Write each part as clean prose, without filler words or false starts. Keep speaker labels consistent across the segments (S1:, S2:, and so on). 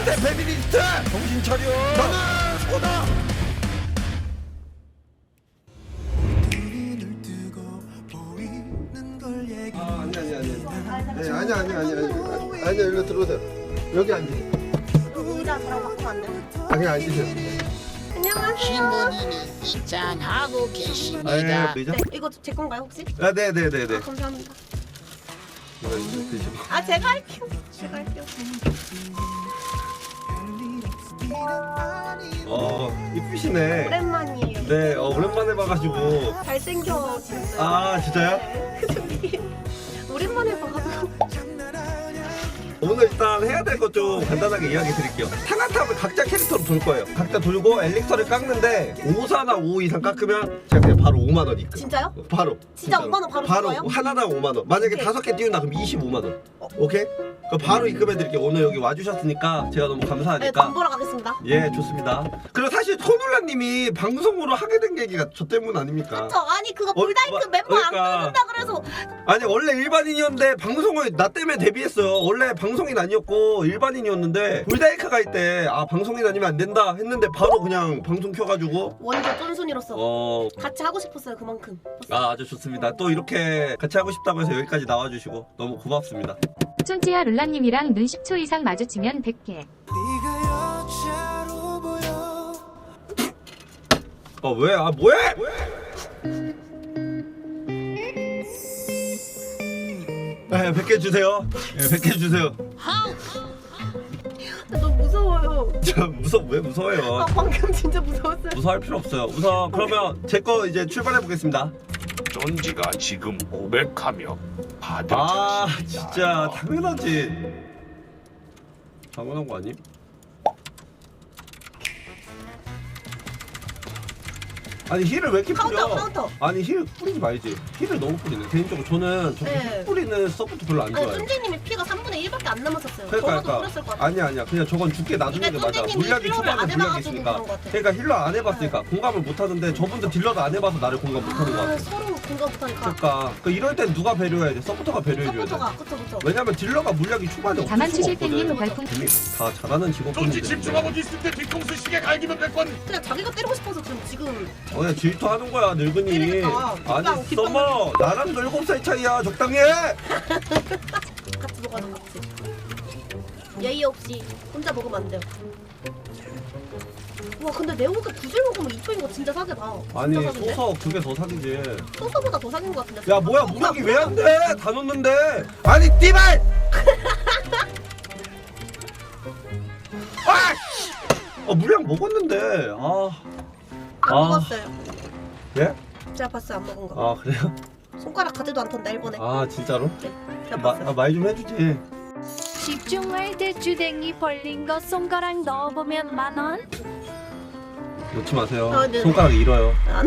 S1: 내 베비리스트 정신 차려. 나는 소다. 아니 일로 들어오세요. 여기 앉으세요.
S2: 의자 저랑 바꾸면 안 돼?
S1: 아니 앉으세요.
S2: 안녕하세요.
S3: 신부님이 입장하고 계십니다.
S1: 의자?
S2: 네, 이거 제 건가요 혹시?
S1: 아 네네네네.
S2: 아, 감사합니다.
S1: 이거 드시고.
S2: 아 제가 할게요. 제가 할게요.
S1: 이쁘시네.
S2: 오랜만이에요.
S1: 네, 오랜만에 봐가지고.
S2: 잘생겨지셨어요.
S1: 아 진짜요?
S2: 오랜만에 봐가지고.
S1: 오늘 일단 해야 될 것 좀 간단하게 이야기 드릴게요. 상한탑을 각자 캐릭터로 돌 거예요. 각자 돌고 엘릭서를 깎는데 5사나 5 이상 깎으면 제가 그냥 바로 5만 원 입금.
S2: 진짜요?
S1: 바로.
S2: 진짜
S1: 진짜로.
S2: 5만 원 바로 줄 거예요?
S1: 하나당 5만 원. 만약에
S2: 오케이.
S1: 5개 띄운다 그럼 25만 원. 오케이? 그럼 바로 입금해 드릴게요. 오늘 여기 와주셨으니까 제가 너무
S2: 네,
S1: 감사하니까.
S2: 돈 벌어 가겠습니다.
S1: 예, 좋습니다. 그리고 사실 손울라님이 방송으로 하게 된 계기가 저 때문 아닙니까?
S2: 저 아니 그거 불다이크 멤버 안
S1: 그러니까.
S2: 끊는다 그래서
S1: 아니 원래 일반인이었는데 방송을 나 때문에 데뷔했어요. 원래 방송인 아니었고 일반인이었는데 불다이크가 할 때 아 방송인 아니면 안 된다 했는데 바로 그냥 방송 켜가지고
S2: 원조 쫀순이로서 같이 하고 싶었어요 그만큼.
S1: 아주 좋습니다. 또 이렇게 같이 하고 싶다고 해서 여기까지 나와주시고 너무 고맙습니다.
S4: 촌지야 룰라님이랑 눈 10초 이상 마주치면 100개.
S1: 왜? 아 뭐해? 네, 100개 주세요. 네, 100개 주세요.
S2: 너무 무서워요.
S1: 왜 무서워요?
S2: 아 방금 진짜 무서웠어요.
S1: 무서워할 필요 없어요. 우선 그러면 제 거 이제 출발해 보겠습니다.
S5: 쫀지가 지금 고백하며 받을
S1: 아
S5: 자신이
S1: 진짜
S5: 나요.
S1: 당연하지. 당연한 거 아님? 아니 힐을 왜 이렇게 뿌려?
S2: 카운터.
S1: 아니 힐 뿌리지 말지. 힐을 너무 뿌리네. 개인적으로 저는 저렇게
S2: 네.
S1: 힐 뿌리는 서포트 별로 안
S2: 아니
S1: 좋아해요.
S2: 쫀지님이 피가 3분의 1밖에 안 남았었어요.
S1: 그러니까
S2: 저도 뿌렸을 것 같아요.
S1: 아니야 그냥 저건 죽게 놔두는 게
S2: 이게
S1: 맞아.
S2: 선생님이
S1: 물약이
S2: 힐러를 안
S1: 초반에 물약이
S2: 해봐가지고
S1: 있으니까.
S2: 그런 것 같아.
S1: 그러니까 힐러 안 해봤으니까 공감을 못 하는데 저분들 딜러도 안 해봐서 나를 공감 못 하는 것
S2: 아
S1: 같아.
S2: 서로 공감 못하니까.
S1: 그러니까 이럴 땐 누가 배려해야 돼? 서포터가 배려해줘야 돼.
S2: 서포터가 그쵸.
S1: 왜냐면 딜러가 물약이 초반에 없을
S4: 다만
S1: 수가
S4: 추실
S1: 없거든.
S4: 땡님 별풍.
S1: 이미 다 잘하는
S5: 쫀지
S1: 직업군들인데
S5: 집중하고 있을 때 뒤통수 시계 갈기면 100번.
S2: 그냥 자기가 때리고 싶어서 지금
S1: 그냥 질투하는 거야 늙은이.
S2: 때리니까.
S1: 아니
S2: 깃방
S1: 써머 나랑 7살 차이야. 적당히 해.
S2: 같이 먹어야 같이. 예의 없이 혼자 먹으면 안 돼요. 와 근데 네오가 구슬 먹으면 2초인 거 진짜 사기다.
S1: 아니
S2: 진짜 사기인데?
S1: 소서 그게 더 사기지.
S2: 소서보다 더 사기인 거 같은데.
S1: 야 뭐야 물약이 왜 안 돼? 다 넣는데. 아니 띠발. 아! 물약 먹었는데.
S2: 안 먹었어요.
S1: 예?
S2: 제가 봤어요 안 먹은 거.
S1: 아 그래요?
S2: 손가락 가지도 않던데 일본에.
S1: 아 진짜로?
S2: 제가 봤어요.
S1: 말 좀 해주지.
S6: 집중할 때 주댕이 벌린 거 손가락 넣어보면 10,000원?
S1: 놓지 마세요.
S2: 아, 네.
S1: 손가락이 잃어요.
S2: 안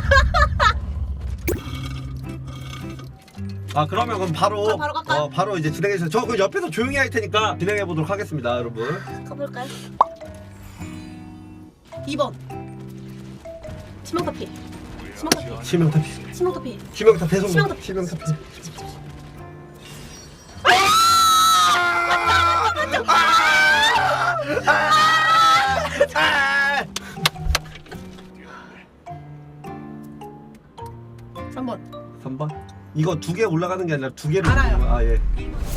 S1: 아 그러면 그럼 바로
S2: 바로 갈까요?
S1: 바로 이제 진행해 주세요. 저 그 옆에서 조용히 할 테니까 진행해 보도록 하겠습니다, 여러분.
S2: 가볼까요? 2번 치명타피.
S1: 치명타피.
S2: 치명타피.
S1: 치명타 대성공.
S2: 치명타피.
S1: 치명타피. 아!
S2: 3번
S1: 3번? 이거 2개 올라가는 게 아니라 2개로.
S2: 알아요.
S1: 아 예.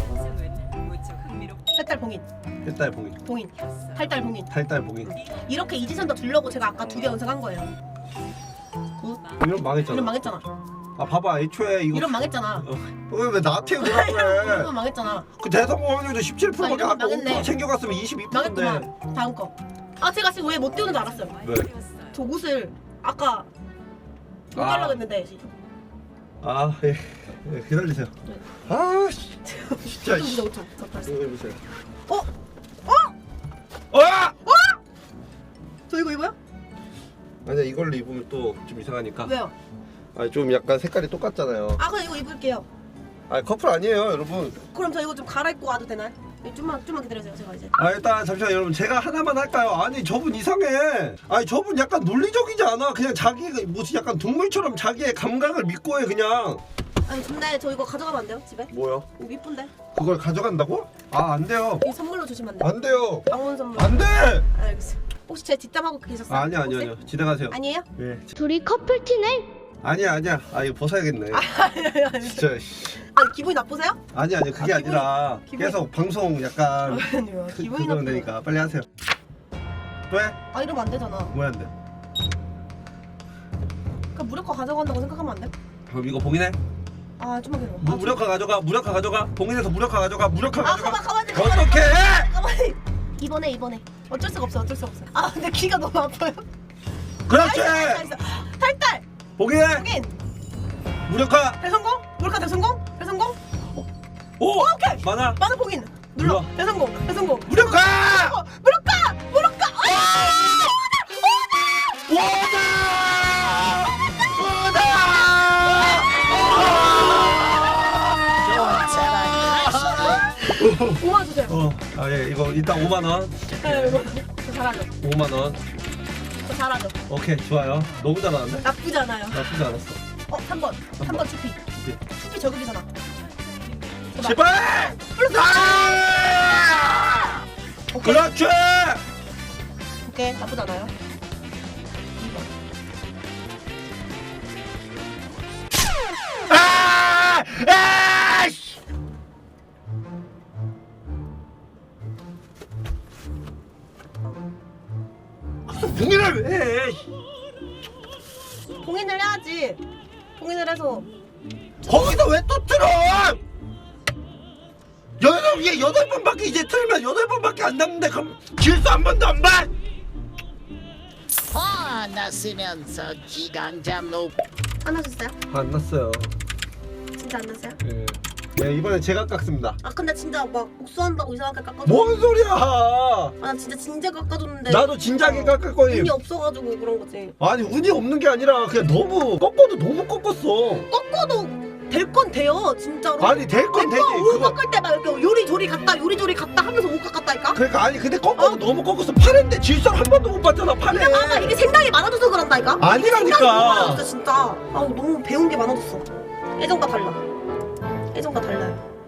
S2: 팔달 봉인.
S1: 햇달 봉인.
S2: 봉인. 팔달 봉인.
S1: 달달 봉인.
S2: 이렇게 이지선도 주려고 제가 아까 2개 연습한 거예요. 굿.
S1: 이런 망했잖아.
S2: 이런 망했잖아.
S1: 아 봐봐 애초에 이거.
S2: 이런 망했잖아.
S1: 왜 나한테 뭐라 그래?
S2: 이런 망했잖아.
S1: 그 대성공 확률도 17%밖에
S2: 이런 거
S1: 아까
S2: 망했네.
S1: 5% 챙겨갔으면 22%인데.
S2: 망했구만. 다음 거. 아 제가 지금 왜 못 띄우는 줄 알았어요.
S1: 왜?
S2: 저 옷을 아까 못
S1: 아.
S2: 달라고 했는데
S1: 아 예. 예 기다리세요.
S2: 네.
S1: 아 진짜. 씨.
S2: 5초. 저 다시.
S1: 이거 해보세요.
S2: 어? 저 이거 입어요?
S1: 아니야 이걸로 입으면 또 좀 이상하니까.
S2: 왜요?
S1: 아니 좀 약간 색깔이 똑같잖아요.
S2: 아 그럼 이거 입을게요.
S1: 아 커플 아니에요 여러분.
S2: 그럼 저 이거 좀 갈아입고 와도 되나요? 네, 좀만 기다려주세요 제가 이제.
S1: 아 일단 잠시만 여러분 제가 하나만 할까요? 아니 저분 이상해. 아니 저분 약간 논리적이지 않아. 그냥 자기 무슨 약간 동물처럼 자기의 감각을 믿고 해 그냥.
S2: 아니 근데 저 이거 가져가면 안 돼요? 집에?
S1: 뭐요?
S2: 이거 이쁜데?
S1: 그걸 가져간다고? 아, 안 돼요.
S2: 이 선물로 주시면 안 돼요?
S1: 안 돼요.
S2: 방문 선물.
S1: 안 돼!
S2: 알겠어요. 혹시 제 뒷담하고 계셨어요?
S1: 아니요,
S2: 혹시?
S1: 아니요. 진행하세요.
S2: 아니에요?
S1: 예.
S6: 둘이 커플티네.
S1: 아니야. 아, 이거 벗어야겠네.
S2: 아니
S1: 진짜. 씨.
S2: 아니 기분이 나쁘세요?
S1: 아니, 그게
S2: 기분이-
S1: 아니라
S2: 기분이-
S1: 계속 방송 약간
S2: 아니요 기분이
S1: 그거는
S2: 나쁘네.
S1: 되니까 빨리 하세요. 왜?
S2: 아 이러면 안 되잖아.
S1: 뭐야, 안 돼?
S2: 그럼 무력화 가져간다고 생각하면 안 돼?
S1: 그럼 이거 봉인해?
S2: 아 좀만 기다려.
S1: 무력화 가져가. 봉인해서 무력화 가져가. 무력화
S2: 아
S1: 가져가.
S2: 가만히.
S1: 어떡해!
S2: 가만히. 이번에. 어쩔 수가 없어. 아 근데 귀가 너무 아파요.
S1: 그렇지!
S2: 알겠어. 탈달.
S1: 봉인해!
S2: 확인.
S1: 무력화!
S2: 대성공. 무력화 대성공. 대성공.
S1: 오!
S2: 오케이.
S1: 많아!
S2: 많은 봉인. 눌러.
S1: 눌러.
S2: 대성공.
S1: 무력화!
S2: 무력화.
S3: 좋은 사랑을 하시네.
S2: 5만 주세요.
S1: 예, 이거 일단 5만원.
S2: 네, 이거 저 잘하죠.
S1: 5만원.
S2: 저 잘하죠.
S1: 오케이, 좋아요. 너무 잘하는데?
S2: 나쁘지 않아요.
S1: 나쁘지 않았어.
S2: 3번. 3번 추피. 추피 저격이잖아.
S1: 제발! 아!
S2: 오케이.
S1: 그렇지!
S2: 오케이. 나쁘지 않아요. 2번.
S1: 아! 아이씨! 봉인을 왜 해?
S2: 봉인을 해야지. 봉인을 해서
S1: 거기서 왜 또 틀어? 얘 8번밖에 이제 틀면 8번밖에 안 남는데 그럼 질수 한 번도 안 봐?
S3: 화났으면서 기강잠 높
S2: 안 하셨어요?
S1: 안 났어요.
S2: 진짜 안 났어요?
S1: 예. 네, 이번에 제가 깎습니다.
S2: 아 근데 진짜 막 복수한다고 이상하게 깎아줘.
S1: 뭔 소리야?
S2: 아나 진짜 진짜 깎아줬는데.
S1: 나도 진작에 깎을 거임.
S2: 운이 없어가지고 그런 거지.
S1: 아니 운이 없는 게 아니라 그냥 너무 꺾어도 너무 꺾었어.
S2: 꺾어도 될 건 돼요 진짜로.
S1: 아니 될 건 되지.
S2: 오
S1: 그거
S2: 깎을 때 막 이렇게 요리조리 갔다 하면서 오 깎았다니까.
S1: 그러니까 아니 근데 꺾어도 너무 꺾었어. 팔인데 질서 한 번도 못 봤잖아. 팔에.
S2: 이게 많아. 이게 생각이 많아져서 그런다니까.
S1: 아니라니까.
S2: 생각이 너무 많아졌어 진짜. 아 너무 배운 게 많아졌어. 예전과 달라. 예전과 달라요.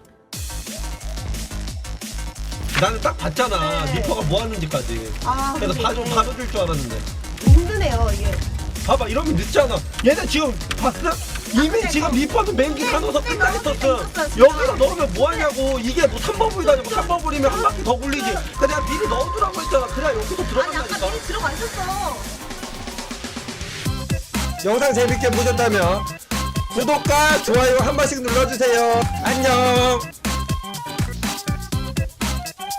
S1: 나는 딱 봤잖아.
S2: 네.
S1: 리퍼가 뭐 하는지까지.
S2: 아
S1: 그래서
S2: 근데 이게
S1: 봐줄 줄 알았는데.
S2: 힘드네요 이게.
S1: 봐봐 이러면 늦잖아. 얘네 지금 봤어? 이미
S2: 근데
S1: 지금
S2: 저-
S1: 리퍼도 맹기 가둬서
S2: 근데
S1: 끝나
S2: 너무
S1: 있었어.
S2: 재밌었어요, 진짜.
S1: 여기다 넣으면 뭐하냐고. 이게 뭐 3번불이 다니고 3번불이면 한 바퀴 더 굴리지. 그냥 내가 미리 넣어두라고 했잖아. 그래야 여기서
S2: 아니 아까
S1: 들어간다니까.
S2: 미리 들어가 있었어.
S1: 영상 재밌게 보셨다면 구독과 좋아요 한 번씩 눌러주세요. 안녕.